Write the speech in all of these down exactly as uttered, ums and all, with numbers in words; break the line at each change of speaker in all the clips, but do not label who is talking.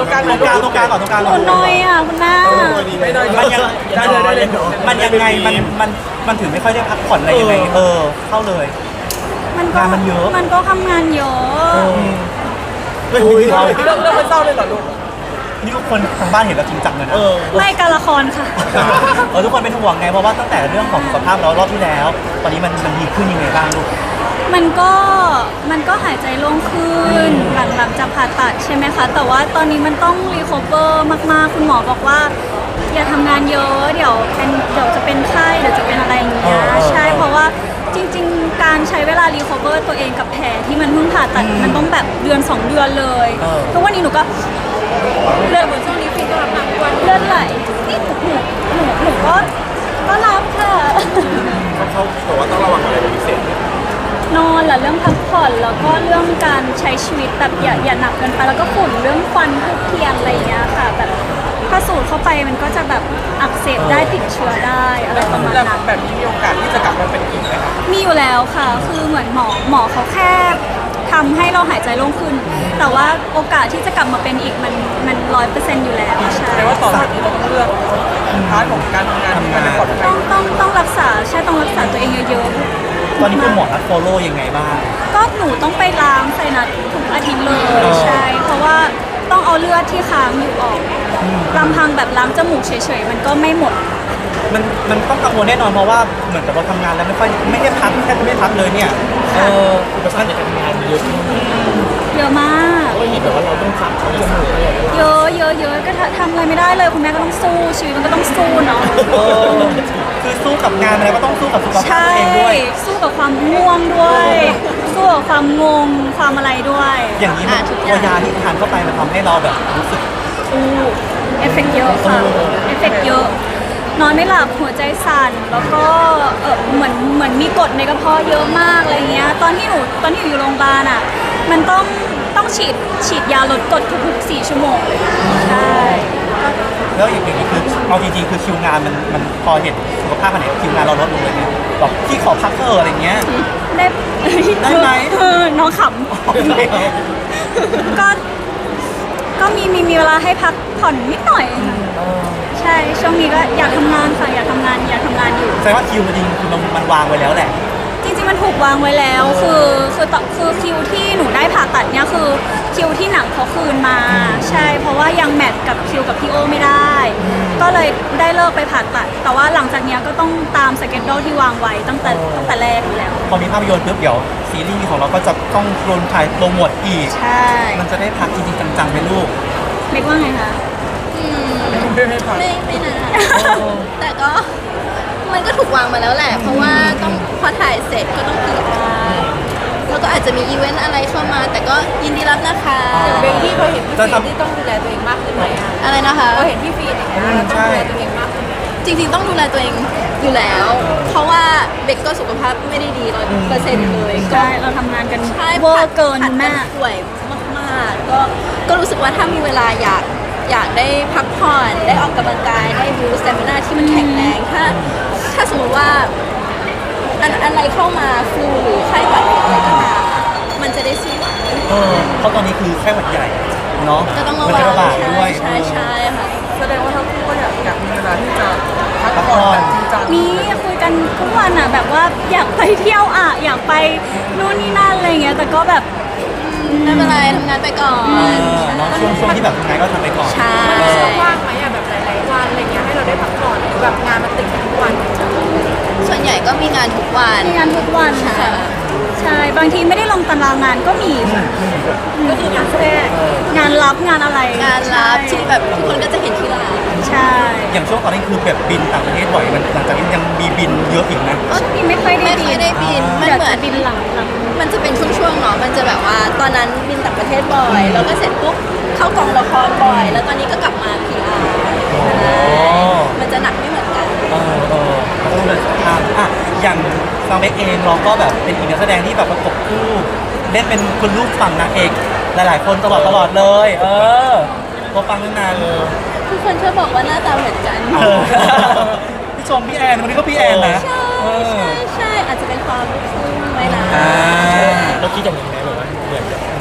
รงกลาง
ตรงกลางตรงกลางก่อนตรงกลางก่อน
คุณน้อยอ่ะคุณหน้า
ไม่ได้
มันยัง
ได้เลยได้เลย
มันยังไงมันมันมันถึงไม่ค่อยได้พักผ่อนอะไรยังไงเออเข้าเลย
มันก็
งานมันเยอะ
มันก็ทำงานเยอะ
เฮ้ย
เรื่องเรื่องมันเศร้าเลยเหรอลูก
นี่ทุกคนทางบ้านเห็นแล้วจริงจังเลยนะ
ไม่การละครค่ะ
เออทุกคนเป็นห่วงไงเพราะว่าตั้งแต่เรื่องของสุขภาพเรารอบที่แล้ว ตอนนี้มันมันดีขึ้นยังไงบ้างลูก
มันก็มันก็หายใจโล่งขึ้นหลังหลังจากผ่าตัดใช่ไหมคะ แต่ว่าตอนนี้มันต้องรีคอเวอร์มากๆ คุณหมอบอกว่า อย่าทำงานเยอะเดี๋ยวเป็นเดี๋ยวจะเป็นไข้เดี๋ยวจะเป็นอะไรอย่างเงี้ย
เออเออ
ใช่เพราะว่าจริง ๆ การใช้เวลารีคอเวอร์ตัวเองกับแผลที่มันเพิ่งผ่าตัดมันต้องแบบเดือนสองเดือนเลยทุกวันนี้หนูก็เลือดบนช่วงนี้ฟินก็รับหนักวันเลือดไหลนี่หนูหนูหนูหนูก็ก็รับค่ะ
เขาบอกว่าต้องระวังอะไรเป็นพิเศษ
นอนแหละเรื่องพักผ่อนแล้วก็เรื่องการใช้ชีวิตแบบอย่าอย่าหนักเกินไปแล้วก็ฝุ่นเรื่องควันทุกเทียนอะไรอย่างเงี้ยค่ะแบบถ้าสูดเข้าไปมันก็จะแบบอักเสบได้ติดเชื้อได้อะไรประมาณนั้น
แบบนี้มีโอกาสที่จะกลับมาเป็นอีกไหมคะ
มีอยู่แล้วค่ะ คือเหมือนหมอหมอเขาแค่ทำให้เราหายใจโล่งขึ้น แต่ว่าโอกาสที่จะกลับมาเป็นอีกมันมันร้อยเปอร์เซ็นต์อยู่แล้วใช่
แต่ว่าต่อจากนี้เราต้องเลือกพาร์ทของการทำงานที่มันปลอดภั
ต้
ย
องต้องต้องรักษาใช่ต้องรักษาตัวเองเยอะๆ
ตอนนี้คุณหมอนัดโฟโล่ยังไงบ้าง
ก็หนูต้องไปล้างไซนัสทุกอาทิตย์เลย
เออ
ใช่ เพราะว่าต้องเอาเลือดที่ค้างอยู่ออกลำพังแบบล้างจมูกเฉยๆมันก็ไม่หมด
มันมันต้องกังวลแน่นอนเพราะว่าเหมือนกับเราทำงานแล้วไม่ค่อยไม่ได้พักแทบไม่ได้พักเลยเนี่ยเอออุปสรรคในการทำงานเยอะ
เยอะมาก
ก็เห็นแบบว่าเราต้องขับเขาจมูกอะไรอย่างเงี้ย
เยอะเยอะเยอะก็ทำอะไรไม่ได้เลยคุณแม่ก็ต้องสู้ชีวิตมันก็ต้องสู้เนาะ
เออคือสู้กับงานอะไรก็ต้องสู้กับสุขภาพ
ใช่
ตัวเองด้วย
สู้กับความง่วงด้วย สู้กับความงงความอะไรด้วย
อย่างนี้มัน
ทุกอ
ตัวยา
ย่าง
ที่ทานเข้าไปมันทำให้เราแบบรู้สึก
อู้เอฟเฟกต์เยอะค่ะ
เออ
เอฟเฟกต์เยอะนอนไม่หลับหัวใจสั่นแล้วก็เออเหมือนเหมือนมีกรดในกระเพาะเยอะมากอะไรเงี้ยตอนที่หนูตอนที่หนูอยู่โรงพยาบาลอ่ะมันต้องต้องฉีดฉีดยาลดกรดทุกๆสี่ชั่วโมงเลยใช่
แล้วอย่างนี้คือเอาจริงๆคือคิวงานมันมันพอเห็นสุขภาพมันเนี่ยคิวงานเราลดลงเลยเนี่ยบอกพี่ขอพักเถอะอะไรเงี้ย
ได้
ได้ไหม
เออน้องขำก็ก็มีมีมีเวลาให้พักผ่อนนิดหน่อยค่ะใช่ช่วงนี้ก็อยากทำงานค่ะอยากทำงานอยากทำงานอยู่
แสดงว่าคิวมันจริงคือมันมันวางไว้แล้วแหละ
จริงๆมันถูกวางไว้แล้วคือคือต่อคือคิวที่หนูได้ผ่าตัดเนี่ยคือคิวที่หนังเขาคืนมา ใช่เพราะว่ายังแมทกับคิวกับพี่โอไม่ได้ ก็เลยได้เลิกไปผ่าตัด แต่ว่าหลังจากเนี้ยก็ต้องตามสเกจโดที่วางไว้ตั้งแต่ตั้งแต่แรกอยู่แล้ว
พอมีภาพยนตร์ปุ๊บเดี๋ยวซีรีส์ของเราก็จะต้องโดนถ่ายโปรโมทอีก
ใช่
มันจะได้พักจริงๆจังๆไหมลูก
เล็กว่าไงคะ
ไม่ให้พัก
ไม่ไม่นานแต่ก็มันก็ถูกวางมาแล้วแหละ เพราะว่าต้องพอถ่ายเสร็จก็ต้องพีอาร์แล้วก็อาจจะมีอีเวนต์อะไรเข้ามา แต่ก็ยินดีรับนะคะ
เบลที่เคยเห็นพี่ฟีนที่ต้องดูแลตัวเองมากขึ้นไหมอะ
อะไรนะคะ
เราเห็นพี่ฟีนอย่างเงี้ยเราต้องดูแลตัวเองมากขึ้นไหม
จริงๆต้องดูแลตัวเองอยู่แล้ว เพราะว่าเบกก็สุขภาพไม่ได้ดีร้อยเปอร์เซ็นต์เลยก็
ใช่เราทำงานกัน
ใช่
เวอร์เกิน
ผัด
แม่
กัป่วยมากๆก็ก็รู้สึกว่าถ้ามีเวลาอยากอยากได้พักผ่อนได้ออกกำลังกายได้บูสต์สเตมินาที่มันแข็งแรงถ้าถ้าสมมติว่าอันอะไรเข้ามาฟลูหรือไข้หวัดหรืออะไรก็ตามมันจะได้สู้ไหว
เออเพราะตอนนี้คือแค่หวัดใหญ่เนาะ
ก็ต้องระ
มั
วั
จะ
ง
ระบาด
ใช่
ด้วย
ใช่ใช่ค่ะ
แสดงว่าทั้งคู่ก็อยากอยากมีเวลาที่จะพัก
พัก
ผ่
ผ่
อ
อน น
แบบจริงจัง
มีคุยกันทุกวันอ่ะแบบว่าอยากไปเที่ยวอ่ะอยากไปนู่นนี่นั่นอะไรเงี้ยแต่ก็แบบ
ไม่เป็นไรทำงานไปก่อน
เออเนาะช่วงช่วงที่แบบทำงานก็ทำไปก่อน
ใช่
มันช่วงว่างไหมอะแบบหลายๆวันอะไรเงี้ยให้เราได้พักผ่อนหรือแบบงานมันติดกันทุกวัน
ส่วนใหญ่ก็มีงานทุกวัน
มีงานทุกวันค่ะใช่บางทีไม่ได้ลงตารางงานก็มีค่ะ
ก็คืองานแสดง
งานรับงานอะไร
งานรับ
ใช่
ที่แบบทุกคนก็จะเห็นที่ร้าน
ใช่
อย่างช่วงตอนนี้คือแบบบินต่างประเทศบ่อยมันหลังจากนี้ยังมีบินเยอะอีกนะ
ช่วงนี้ไม่ค่อยได้
ไม่
บิ
เคย
น
ได้บินมัน
เดี๋ยว
เหมือ
จะ
น
บินหลังหลัง
มันจะเป็นช่วงๆเนาะมันจะแบบว่าตอนนั้นบินต่างประเทศบ่อย แล้วก็เสร็จปุ๊บเข้ากองละครบ่อย แล้วตอนนี้ก็กลับมา พี อาร์ มันจะหนักไม่เหมือนกัน
เออเออเราต้องเดินทางอ่ะอย่างฟังเบกเองเราก็แบบเป็นอีกนักแสดงที่แบบประกบคู่เล่นเป็นคุณลูกฝั่งนางเอกหลายๆคนตลอดตลอดเลย เออตัวฟังตั้งนานเลย
ทุกคนชอบบอกว่าหน้าตาเหมือนกัน
เออพี่ชมพี่แอนวันนี้ก็พี่แอนนะ
ใช่
เออ
ใช่ใช่อาจจะเป็นความลูกครึ่งไว้นะ
อ่า
เราคิดอย่างนี้ไหมแบบว่าเหมือนกับ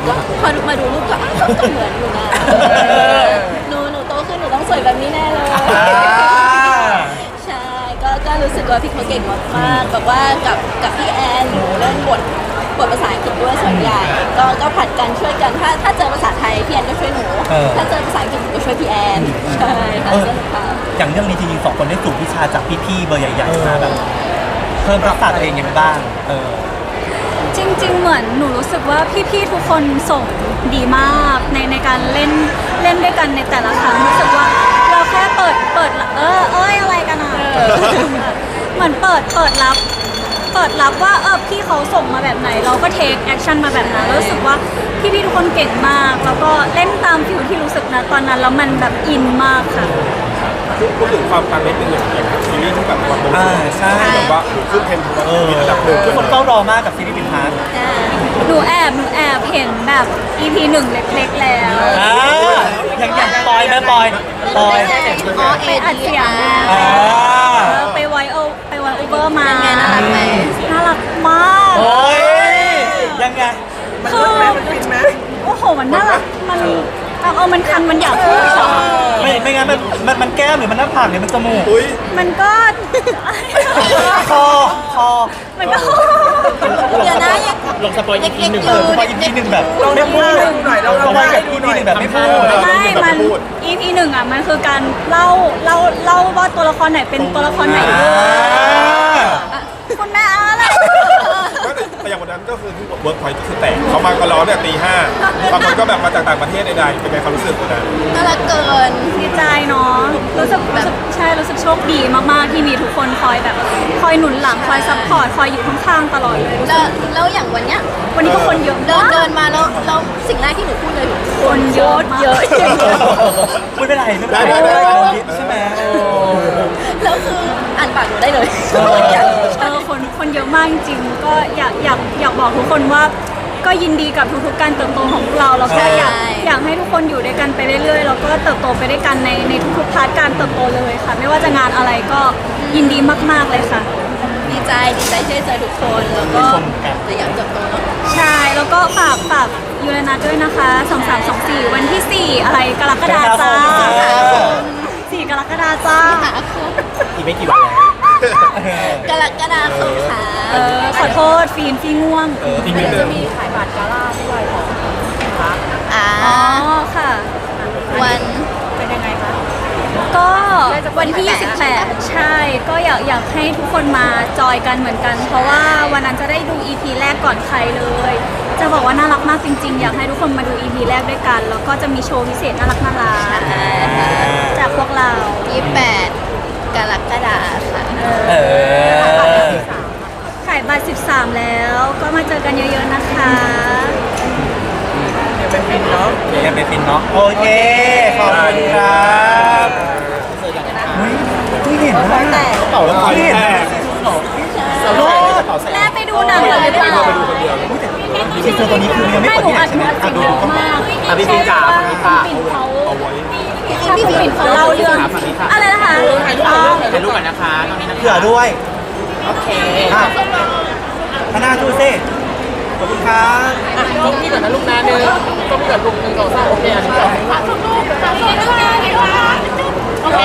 ก็พอมาดูรูปก็อ้าวก็เหมือนอยู่นะหนูหนูโตขึ้นหนูต้องสวยแบบนี้แน่เลย ใช่ก็ก็รู้สึกว่าพี่เขาเก่งมากๆแบบว่ากับกับพี่แอนหนูเล่นบทบทภาษาอังกฤษด้วยส่วนใหญ่ก็ก็ผัดกันช่วยกันถ้าถ้าเจอภาษาไทยพี่แอนก็ช่วยหนู ถ้าเจอภาษาอังกฤษหนูก็ช่วยพี่แอนใช่ค่ะสนุกค่ะ
อย่างเรื่องนี้จริงๆสองคนได้สูตรวิชาจากพี่ๆเบอร์ใหญ่ๆมาแบบเพิ่มทักษะตัวเองยังไงบ้างเออ
จริงๆ เหมือนหนูรู้สึกว่าพี่ๆ ทุกคนส่งดีมากในในการเล่นเล่นด้วยกันในแต่ละครั้งรู้สึกว่าเราแค่เปิดเปิดเออเอ้ยอะไรกันอ่ะเหมือนเปิดเปิดรับ เปิดรับว่าเออพี่เขาส่งมาแบบไหน เราก็เทคแอคชั่นมาแบบนั้นแล้วรู้สึกว่าพี่ๆ ทุกคนเก่งมาก แล้วก็เล่นตามฟิลที่รู้สึกนะตอนนั้นแล้วมันแบบอินมากค่ะ
พูดถึงความปังนิดนึงอย่างอย่างซีรีส์ที่แบบว่าโดน
อ่าใช่
แบบว่าขึ้นเทรนด์
เออ
มีระดับหนึ่ง
ทุกคนเฝ้ารอมากกับซีรีส์ปินพาร์ท
หนูแอบหนูแอบเห็นแบบ อี พี หนึ่งเล็กๆ แล้ว
อ่าอย่างอย่างปอยแม่ปอยปอย
อ๋อ
ไปอัดเสียง
อ่า
เออไปไวโอไปไวโอเวอร์มา
เป็นไงน่ารักไหม
น่ารักมาก
โอ้ยยังไง
มันเลิศไหมมันฟินไหม
โอ้โห มันน่ารัก มันเอาเอามันคัน มันอยากพูดอะ
ไม่ไม่งั้นมันมันมันแก้มหรือมันหน้าผากหรือมันจมูก
อุ้ย
มันก็
คอคอ
มันก็
เดี๋ยวนะยัง
ลงสปอยอีกทีหนึ่ง
เออพออีพีหนึ่งแบบ
ลองทำให้ดูหน่อยลอง
เรา
ทำ
ไป
ให้
กับ
ดู
อี
ห
พี
น่อย
หนึ่งแบบไม่พูด
ไม่ มัน อี พี หนึ่งอ่ะ มันคือการเล่า เล่า เล่าว่าตัวละครไหนเป็นตัวละครไหนด้วยคุณแม่อะไร
แต่อย่างวันนั้นก็คือที่เวิร์กพอยต์ก็คือแตกเขามาก็ร้อนเนี่ยตีห้าบางคนก็แบบมาจากต่างประเทศใดๆเป็นไงความรู้สึกวันนั้น
น่ารักเกิน
ดีใจเนาะ รู้สึกรู้สึกใช่ รู้สึกโชคดีมากๆ ที่มีทุกคนคอยแบบ คอยหนุนหลัง คอยซัพพอร์ต คอยอยู่ข้างๆ ตลอดเลยรู้
แล้
สึ
ว
ก
แล้วอย่างวันเนี้ย
วันนี้ก็คนเยอะ
เดิน
มาก
เดินมาแล้วแล้วสิ่งแรกที่หนูพูดเลย
คนเยอะมากเยอะ
ไม่เป็นไรไม่เป็นไร
ได้ได้ได้
ใช่ไหม
แล้วคืออ่านปากหนูได้เลย
เออคนคนเยอะมากจริงๆก็อยากอยากอยากบอกทุกคนว่าก็ยินดีกับทุกๆการเติบโตของพวกเราแล้วก็อยากอยากให้ทุกคนอยู่ด้วยกันไปเรื่อยๆแล้วก็เติบโตไปด้วยกันในในทุกๆพาร์ทการเติบโตเลยค่ะ ไม่ว่าจะงานอะไรก็ยินดีมากๆเลยค่ะ
ดีใจดีใจที่ได้เจอทุกคนแล้วก็จะอยากเติบโตเนาะ
ใช่แล้วก็ฝากฝากยูเรนัสด้วยนะคะสองสามสองสี่วันที่สี่อะไรกรกฎาจ้าสี่กรกฎาจ้า
หาคือ
อีกไม่กี่วันแล้ว
กรกฎาคมค่ะ
เออขอโทษฟีนฟีง่วง
เอออีกนิดนึ
จะ
ง
มีขายบัตรกาล่าด้วยของคะ
อ่า
อ๋อค่ะ
วัน
เป็นยังไงคะ
ก็วันที่ยี่สิบแปดใช่ ก็อยากอยากให้ทุกคนมาจอยกันเหมือนกัน เพราะว่าวันนั้นจะได้ดู อี พี แรกก่อนใครเลย จะบอกว่าน่ารักมากจริงๆ อยากให้ทุกคนมาดู อี พี แรกด้วยกัน แล้วก็จะมีโชว์พิเศษน่ารักน่ารักจากพวกเรา
ยี่สิบแปดกรกฎาค่ะ
เออ
ขายบัตรสิบสามแล้ว ก็มาเจอกันเยอะๆนะคะ
เดี๋ยวเป็นฟินเนาะ
เดี๋ยวยังเป็นฟินเนาะโอเคขอบคุณครับเฮ้ยที่เห็นว่า
เป่าแล้วคอย
ที่เห็น
แต
ว่าก รอด
แม่ไปดูหนังเลยหรือเปล่า
ทีเซอร์ตัวนี้คือยังไม่
ไม่
เปิด
หนู
ที่ไหน
อัด
ใช่
ห
ไหม
นูอัด
อ่ะ
เสียง
ดู
เย
ดู
อะ
ก่อน
มากใช่เพราะว่าคุณปิ่นเขา
เอาไว้
ถ้าคุณปิ่นเขาเล่าเรื่องอะไรนะคะอ๋อ
ถ่ายรูปก่อนนะคะตรงนี้นะคะ
เผื่อด้วย
โอเค
อ่ะพนาดูสิขอบคุณครับ
อ่ะกล้องพี่ก่อนนะลูกนะหนึ่งกล้องพี่ก่อนลูกหนึ่งสองสามโอเคอันนี้ก่อน
โอเค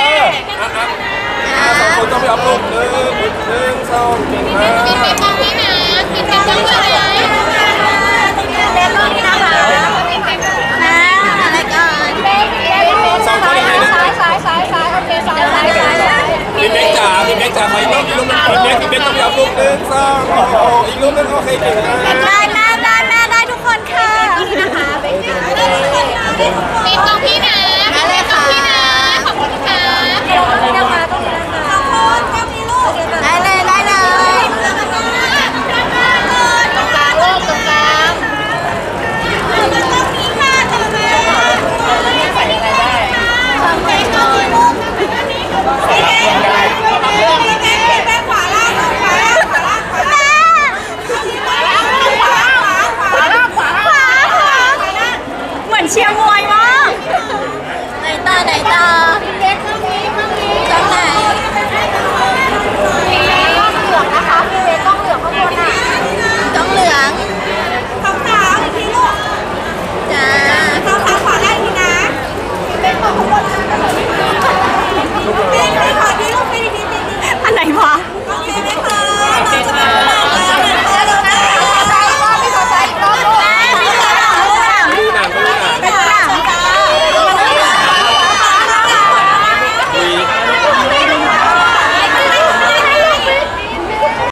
อ่ะสองคนต้องไปอัพโหลดหนึ่งหนึ่งสองหนึ่งห้า
กินเป็นกล้องนี้นะกินเป็นกล้องนี้นะเล่นกล้องนี้นะคะนะอะไรก่อนเล่นเล่นเล่นซ้ายซ้ายซ้ายซ้ายซ้ายโอเคซ้ายซ้ายซ้ายซ้าย
พี่เบ๊กจ๋าพี่เบ๊กจ๋าไปต้องอีกรูปหนึงพี่เบ๊กพี่เบ๊กต้องไปอัพโหลดหนึ่งสองโอ้โหอีกรูปหนึงโอเคเก่งมาก
ได้แม่ได้แม่ได้ทุกคนค่ะนี่นะคะเป็นกล้องพี่นะมาเลยค่ะขอบคุณค่ะเดี๋ยวเดี๋ยวมาต้องขอบคุณกล้องนี้ลูกได้เลยได้เลยตรงกลางลูกตรงกลางกล้องนี้ค่ะต่อมาใส่อะไรได้ทำไปก่อนลูกสีแดงสีแดงสีแดงขวาล่างขวาล่างขวาล่างขวาล่างขวาล่างขวาล่างขวาล่างขวาล่างขวาล่างเหมือนเชียร์ม